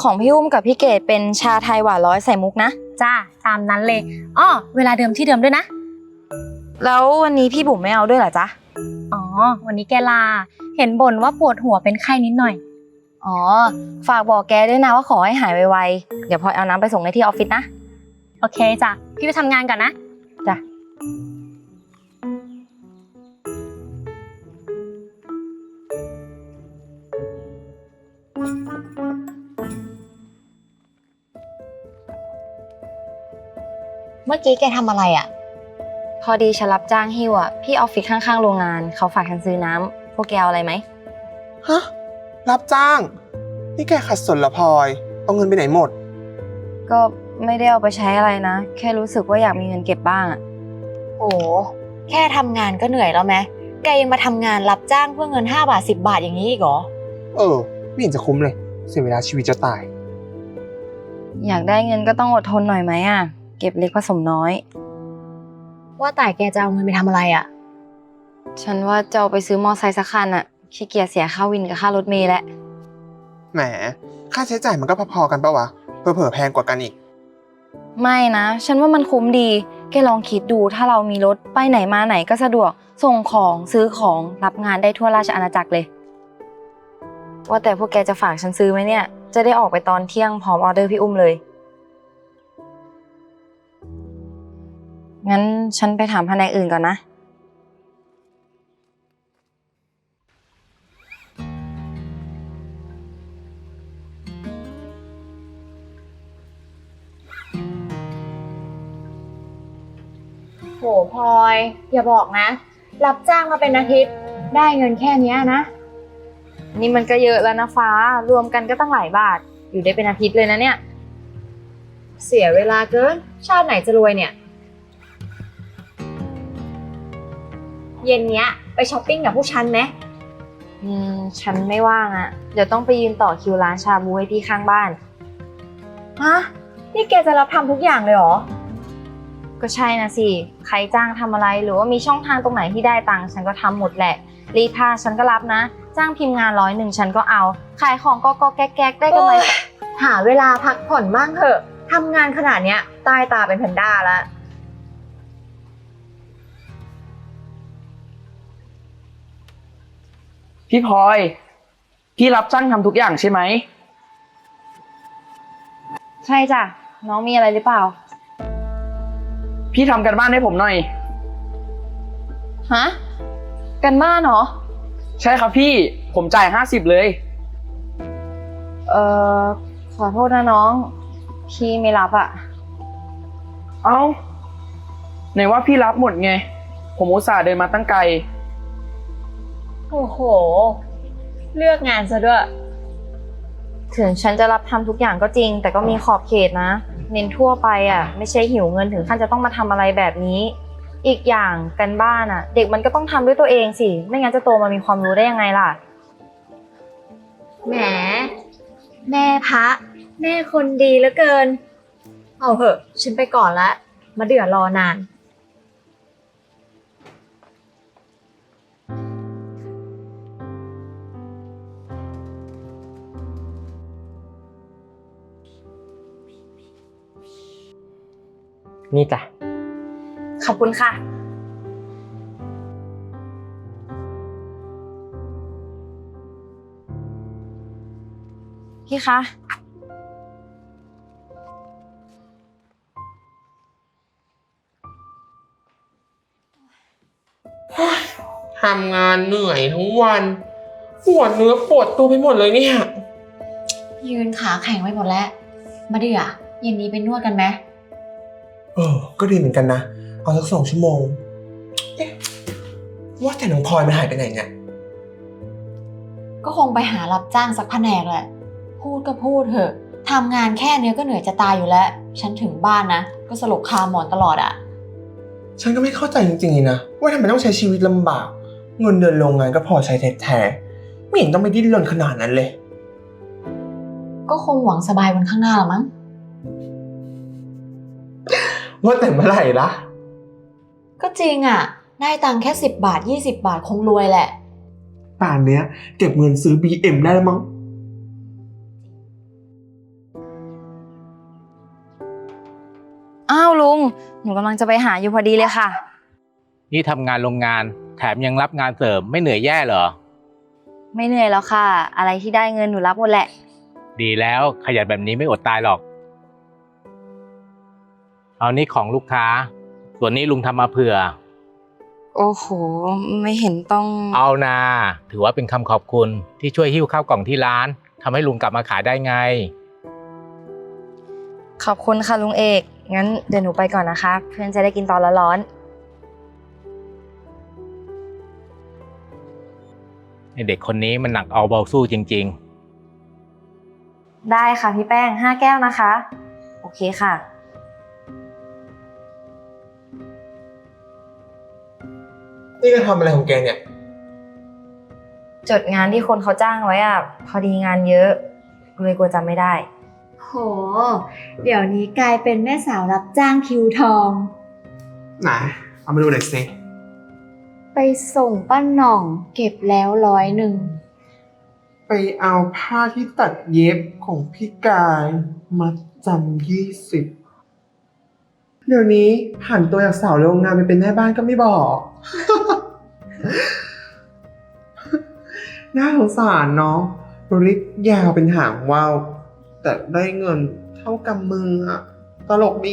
ของพี่อุ้มกับพี่เกดเป็นชาไทยหวาน100ใส่มุกนะจ้าตามนั้นเลยอ้อเวลาเดิมที่เดิมด้วยนะแล้ววันนี้พี่บุ๋มไม่เอาด้วยเหรอจ๊ะอ๋อวันนี้แกลาเห็นบ่นว่าปวดหัวเป็นไข้นิดหน่อยอ๋อฝากบอกแกด้วยนะว่าขอให้หายไวๆเดี๋ยวพลอยเอาน้ำไปส่งในที่ออฟฟิศนะโอเคจ้ะพี่ไปทำงานก่อนนะจ้ะเมื่อกี้แกทำอะไรอ่ะพอดีฉันรับจ้างหิ้วอ่ะพี่ออฟฟิศข้างๆโรงงานเขาฝากฉันซื้อน้ำพวกแกเอาอะไรไหมฮะรับจ้างนี่แกขัดสนเหรอพลอยเอาเงินไปไหนหมดก็ไม่ได้เอาไปใช้อะไรนะแค่รู้สึกว่าอยากมีเงินเก็บบ้างอ่ะโอ้แค่ทำงานก็เหนื่อยแล้วไหมแกยังมาทำงานรับจ้างเพื่อเงิน5 บาท10 บาทอย่างนี้อีกเหรอไม่เห็นจะคุ้มเลยเสียเวลาชีวิตจะตายอยากได้เงินก็ต้องอดทนหน่อยไหมอ่ะเก็บเล็กผสมน้อยว่าแต่แกจะเอาเงินไปทำอะไรอ่ะฉันว่าจะเอาไปซื้อมอไซค์สักคันอ่ะขี้เกียจเสียค่าวินกับค่ารถเมล์แล้วแหมค่าใช้จ่ายมันก็พอๆกันปะวะเผลอๆแพงกว่ากันอีกไม่นะฉันว่ามันคุ้มดีแกลองคิดดูถ้าเรามีรถไปไหนมาไหนก็สะดวกส่งของซื้อของรับงานได้ทั่วราชอาณาจักรเลยว่าแต่พวกแกจะฝากฉันซื้อไหมเนี่ยจะได้ออกไปตอนเที่ยงพร้อมออเดอร์พี่อุ้มเลยงั้นฉันไปถามแผนกอื่นก่อนนะโหพลอยอย่าบอกนะรับจ้างมาเป็นอาทิตย์ได้เงินแค่นี้นะนี่มันก็เยอะแล้วนะฟ้ารวมกันก็ตั้งหลายบาทอยู่ได้เป็นอาทิตย์เลยนะเนี่ยเสียเวลาเกินชาติไหนจะรวยเนี่ยเย็นเนี้ยไปช้อปปิ้งกับพวกฉันไหมฉันไม่ว่างอ่ะเดี๋ยวต้องไปยืนต่อคิวร้านชาบูให้พี่ข้างบ้านฮะนี่แกจะรับทำทุกอย่างเลยเหรอก็ใช่นะสิใครจ้างทำอะไรหรือว่ามีช่องทางตรงไหนที่ได้ตังค์ฉันก็ทำหมดแหละรีดผ้าฉันก็รับนะจ้างพิมพ์งาน100ฉันก็เอาขายของก็แก๊กได้กำไรหาเวลาพักผ่อนบ้างเถอะทำงานขนาดเนี้ยตายตาเป็นแพนด้าแล้วพี่พลอยพี่รับจ้างทำทุกอย่างใช่ไหมใช่จ้ะน้องมีอะไรหรือเปล่าพี่ทำกันบ้านให้ผมหน่อยฮะกันบ้านเหรอใช่ครับพี่ผมจ่าย50เลยเอ่อขอโทษนะน้องพี่ไม่รับอ่ะเอ้าไหนว่าพี่รับหมดไงผมอุตส่าห์เดินมาตั้งไกลโอ้โหเลือกงานซะด้วยถึงฉันจะรับทำทุกอย่างก็จริงแต่ก็มีขอบเขตนะเน้นทั่วไปอ่ะไม่ใช่หิวเงินถึงขั้นจะต้องมาทำอะไรแบบนี้อีกอย่างกันบ้านอ่ะเด็กมันก็ต้องทำด้วยตัวเองสิไม่งั้นจะโตมามีความรู้ได้ยังไงล่ะแหมแม่พระแม่คนดีเหลือเกินเอาเหอะฉันไปก่อนละมาเดือดรอนานนี่จ้ะขอบคุณค่ะพี่คะทำงานเหนื่อยทั้งวันปวดเนื้อปวดตัวไปหมดเลยเนี่ยยืนขาแข็งไปหมดแล้วมาเดือเย็นนี้ไปนวดกันไหมก็ดีเหมือนกันนะเอาสัก2 ชั่วโมงว่าแต่น้องพลอยมันหายไปไหนเนี่ยก็คงไปหารับจ้างสักแผนกแหละพูดก็พูดเถอะทำงานแค่เนี้ยก็เหนื่อยจะตายอยู่แล้วฉันถึงบ้านนะก็สลบคาหมอนตลอดอ่ะฉันก็ไม่เข้าใจจริงๆนะว่าทำไมต้องใช้ชีวิตลำบากเงินเดือนโรงงานก็พอใช้แท้ๆไม่เห็นต้องไปดิ้นรนขนาดนั้นเลยก็คงหวังสบายวันข้างหน้าละมั้งว่าแต่เมื่อไหร่ล่ะก็จริงอ่ะได้ตังค์แค่10 บาท20 บาทคงรวยแหละป่านเนี้ยเก็บเงินซื้อ BM ได้แล้วมั้งอ้าวลุง หนูกำลังจะไปหาอยู่พอดีเลยค่ะนี่ทำงานโรงงานแถมยังรับงานเสริมไม่เหนื่อยแย่เหรอไม่เหนื่อยแล้วค่ะ อะไรที่ได้เงินหนูรับหมดแหละดีแล้วขยันแบบนี้ไม่อดตายหรอก เอานี่ของลูกค้า ส่วนนี้ลุงทำมาเผื่อโอ้โห ไม่เห็นต้องเอานาถือว่าเป็นคำขอบคุณที่ช่วยหิ้วข้าวกล่องที่ร้านทำให้ลุงกลับมาขายได้ไงขอบคุณค่ะลุงเอก งั้นเดี๋ยวหนูไปก่อนนะคะ เพื่อนจะได้กินตอนร้อนไอเด็กคนนี้มันหนักเอาเบาสู้จริงๆ ได้ค่ะพี่แป้ง 5 แก้วนะคะ โอเคค่ะนี่ก็ทำอะไรของแกเนี่ยจดงานที่คนเขาจ้างไว้อ่ะ พอดีงานเยอะเลยกลัวจำไม่ได้โห เดี๋ยวนี้กลายเป็นแม่สาวรับจ้างคิวทองไหน เอามาดูหน่อยสิไปส่งป้าหน่องเก็บแล้ว100 ไปเอาผ้าที่ตัดเย็บของพี่กายมาจำ20 เดี๋ยวนี้ผ่านตัวจากสาวโรงงานไปเป็นแม่บ้านก็ไม่บอก น่าสงสารเนาะริกยาวเป็นหางว่าวแต่ได้เงินเท่ากำมืออะตลกดี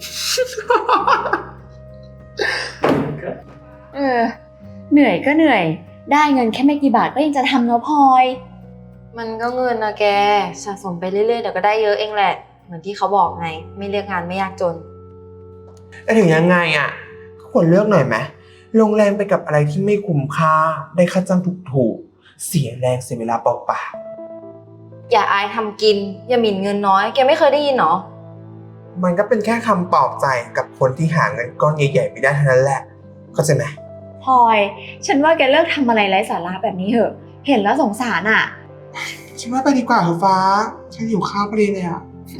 เหนื่อยก็เหนื่อย ได้เงินแค่ไม่กี่บาทก็ยังจะทำเนาะพลอยมันก็เงินนะแก สะสมไปเรื่อยๆเดี๋ยวก็ได้เยอะเองแหละ เหมือนที่เขาบอกไง ไม่เลือกงานไม่ยากจนแต่ถึงยังไงอ่ะควรเลือกหน่อยไหมลงแรงไปกับอะไรที่ไม่คุ้มค่า ได้ค่าจ้างถูกๆ เสียแรงเสียเวลาเปล่าอย่าอายทำกิน อย่าหมิ่นเงินน้อย แกไม่เคยได้ยินหรอๆมันก็เป็นแค่คำปลอบใจกับคนที่หาเงินก้อนใหญ่ๆไม่ได้เท่านั้นแหละ เข้าใจไหมพลอย ฉันว่าแกเลิกทำอะไรไร้สาระแบบนี้เถอะ เห็นแล้วสงสารอ่ะฉันว่าไปดีกว่าเถอะฟ้า ฉันหิวข้าวพอดีเลยอ่ะ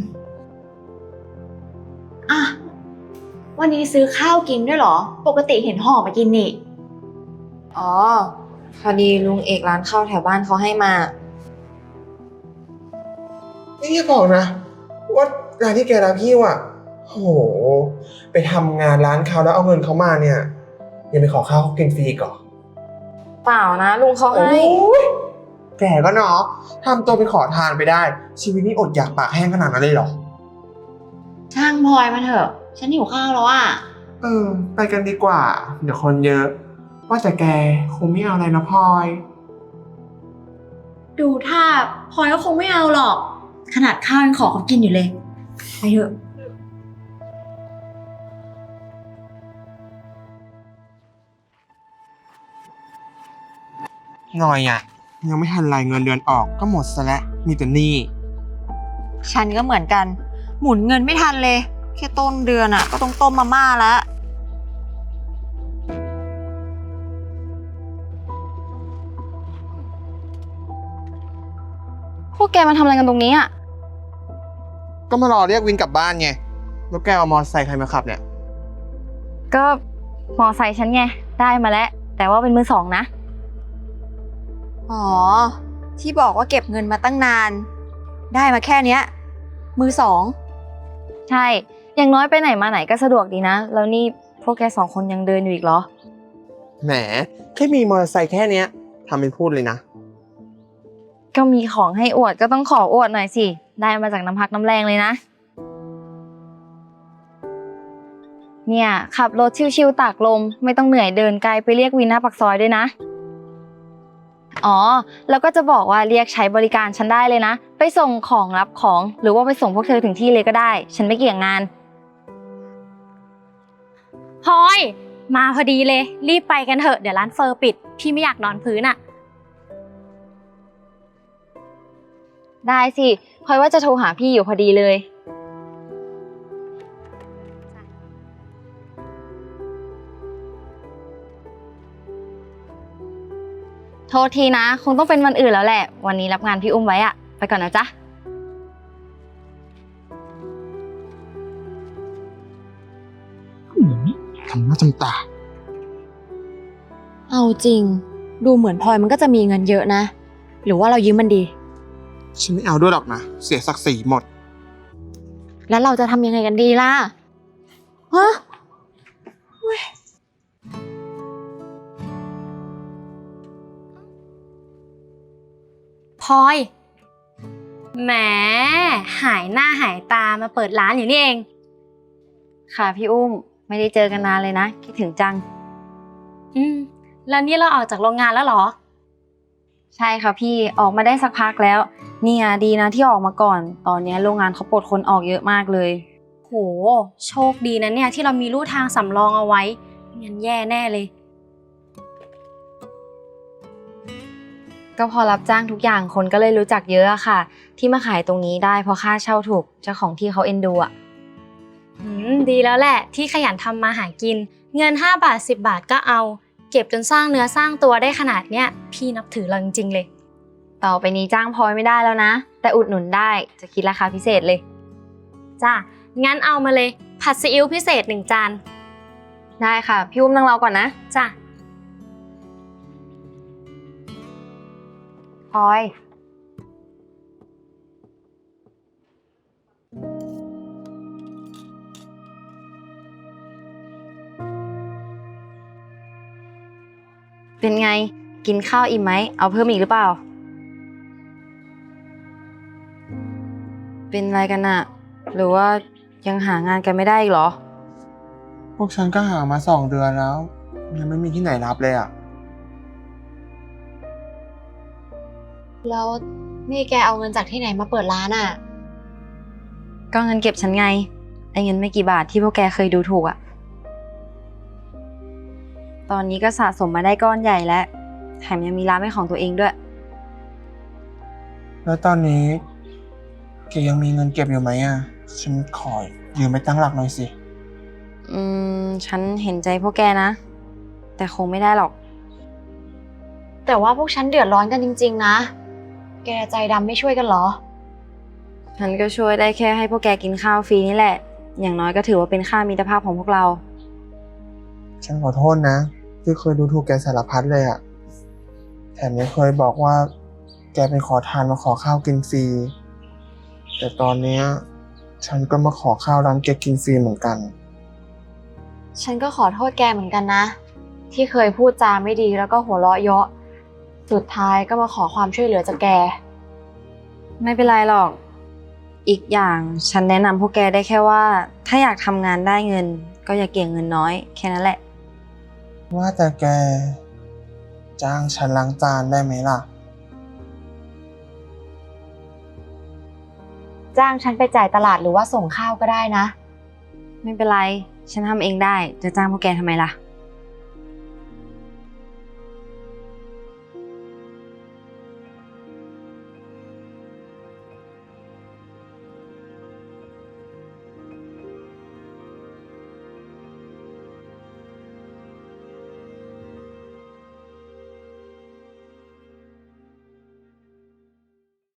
อ่ะ วันนี้ซื้อข้าวกินด้วยเหรอ ปกติเห็นห่อมากินนี่อ๋อ พอดีลุงเอกร้านข้าวแถวบ้านเขาให้มานี่อย่าบอกนะ ว่าร้านที่แกรับพี่ว่ะโห ไปทำงานร้านเขาแล้วเอาเงินเขามาเนี่ย ยังไปขอข้าวเขากินฟรีอีก่อนเปล่านะ ลุงเขาให้แกก็เนาะทำตัวเป็นขอทานไปได้ ชีวิตนี้อดอยากปากแห้งขนาดนั้นเลยเหรอช่างพลอยมาเถอะ ฉันหิวข้าวแล้วอ่ะไปกันดีกว่า เดี๋ยวคนเยอะ ว่าแต่แกคงไม่เอาอะไรนะพลอยดูท่าพลอยก็คงไม่เอาหรอก ขนาดข้าวยังขอเขากินอยู่เลย ไปเถอะหน่อยอ่ะ ยังไม่ทันรายเงินเดือนออกก็หมดซะแล้วมีแต่หนี้ฉันก็เหมือนกัน หมุนเงินไม่ทันเลย แค่ต้นเดือนอ่ะ ก็ต้องต้มมาม่าแล้วพวกแกมาทำอะไรกันตรงนี้อ่ะก็มารอเรียกวินกลับบ้านไง แล้วแกเอามอเตอร์ไซค์ใครมาขับเนี่ยก็มอไซค์ฉันไง ได้มาแล้ว แต่ว่าเป็นมือสองนะอ๋อ ที่บอกว่าเก็บเงินมาตั้งนาน ได้มาแค่เนี้ย มือสองใช่ อย่างน้อยไปไหนมาไหนก็สะดวกดีนะ แล้วนี่พวกแก2 คนยังเดินอยู่อีกเหรอแหม แค่มีมอเตอร์ไซค์แค่เนี้ยทำเป็นพูดเลยนะก็มีของให้อวดก็ต้องขออวดหน่อยสิ ได้มาจากน้ำพักน้ำแรงเลยนะ เนี่ยขับรถชิวๆตากลมไม่ต้องเหนื่อยเดินไกลไปเรียกวินหน้าปากซอยด้วยนะ อ๋อ แล้วก็จะบอกว่าเรียกใช้บริการฉันได้เลยนะ ไปส่งของรับของหรือว่าไปส่งพวกเธอถึงที่เลยก็ได้ ฉันไม่เกี่ยงงานพลอย มาพอดีเลย รีบไปกันเถอะ เดี๋ยวร้านเฟอร์ปิด พี่ไม่อยากนอนพื้นอะได้สิพลอยว่าจะโทรหาพี่อยู่พอดีเลย โทษทีนะ คงต้องเป็นวันอื่นแล้วแหละ วันนี้รับงานพี่อุ้มไว้อะไปก่อนนะจ๊ะทำหน้าจำตาเอาจริง ดูเหมือนพลอยมันก็จะมีเงินเยอะนะ หรือว่าเรายืมมันดีฉันไม่เอาด้วยหรอกนะ เสียศักดิ์ศรีหมดแล้วเราจะทำยังไงกันดีล่ะฮะพลอยแหมหายหน้าหายตามาเปิดร้านอยู่นี่เองค่ะพี่อุ้ม ไม่ได้เจอกันนานเลยนะ คิดถึงจังแล้วนี่เราออกจากโรงงานแล้วเหรอใช่ค่ะพี่ ออกมาได้สักพักแล้ว เนี่ยดีนะที่ออกมาก่อน ตอนนี้โรงงานเขาปลดคนออกเยอะมากเลยโห โชคดีนะเนี่ยที่เรามีลู่ทางสำรองเอาไว้ไม่งั้นแย่แน่เลยก็พอรับจ้างทุกอย่างคนก็เลยรู้จักเยอะอะค่ะ ที่มาขายตรงนี้ได้เพราะค่าเช่าถูกเจ้าของที่เขาเอ็นดูอะดีแล้วแหละที่ขยันทำมาหากิน เงิน5 บาท 10 บาทก็เอา เก็บจนสร้างเนื้อสร้างตัวได้ขนาดเนี้ยพี่นับถือเราจริงๆเลยต่อไปนี้จ้างพลอยไม่ได้แล้วนะ แต่อุดหนุนได้จะคิดราคาพิเศษเลยจ้ะ งั้นเอามาเลย ผัดซีอิ๊วพิเศษ1 จานได้ค่ะ พี่อุ้มนั่งรอก่อนนะจ้ะพลอย เป็นไง กินข้าวอิ่มไหม เอาเพิ่มอีกหรือเปล่า เป็นอะไรกันอะหรือว่ายังหางานกันไม่ได้อีกเหรอพวกฉันก็หามา2 เดือนแล้ว ยังไม่มีที่ไหนรับเลยอ่ะแล้วนี่แกเอาเงินจากที่ไหนมาเปิดร้านอะก็เงินเก็บฉันไง ไอ้เงินไม่กี่บาทที่พวกแกเคยดูถูกอะตอนนี้ก็สะสมมาได้ก้อนใหญ่แล้ว แถมยังมีร้านเป็นของตัวเองด้วยแล้วตอนนี้แกยังมีเงินเก็บอยู่ไหมอ่ะ ฉันขอยืมไปตั้งหลักหน่อยสิฉันเห็นใจพวกแกนะ แต่คงไม่ได้หรอกแต่ว่าพวกฉันเดือดร้อนกันจริงๆนะ แกใจดำไม่ช่วยกันเหรอฉันก็ช่วยได้แค่ให้พวกแกกินข้าวฟรีนี่แหละ อย่างน้อยก็ถือว่าเป็นค่ามิตรภาพของพวกเราฉันขอโทษนะ ที่เคยดูถูกแกสารพัดเลยอ่ะ แถมยังเคยบอกว่า แกเป็นขอทานมาขอข้าวกินฟรี แต่ตอนเนี้ยฉันก็มาขอข้าวร้านแกกินฟรีเหมือนกันฉันก็ขอโทษแกเหมือนกันนะ ที่เคยพูดจาไม่ดีแล้วก็หัวเราะเยาะ สุดท้ายก็มาขอความช่วยเหลือจากแกไม่เป็นไรหรอก อีกอย่างฉันแนะนำพวกแกได้แค่ว่า ถ้าอยากทำงานได้เงิน ก็อย่าเกี่ยงเงินน้อย แค่นั้นแหละว่าแต่แกจ้างฉันล้างจานได้ไหมล่ะจ้างฉันไปจ่ายตลาดหรือว่าส่งข้าวก็ได้นะไม่เป็นไร ฉันทำเองได้ จะจ้างพวกแกทำไมล่ะ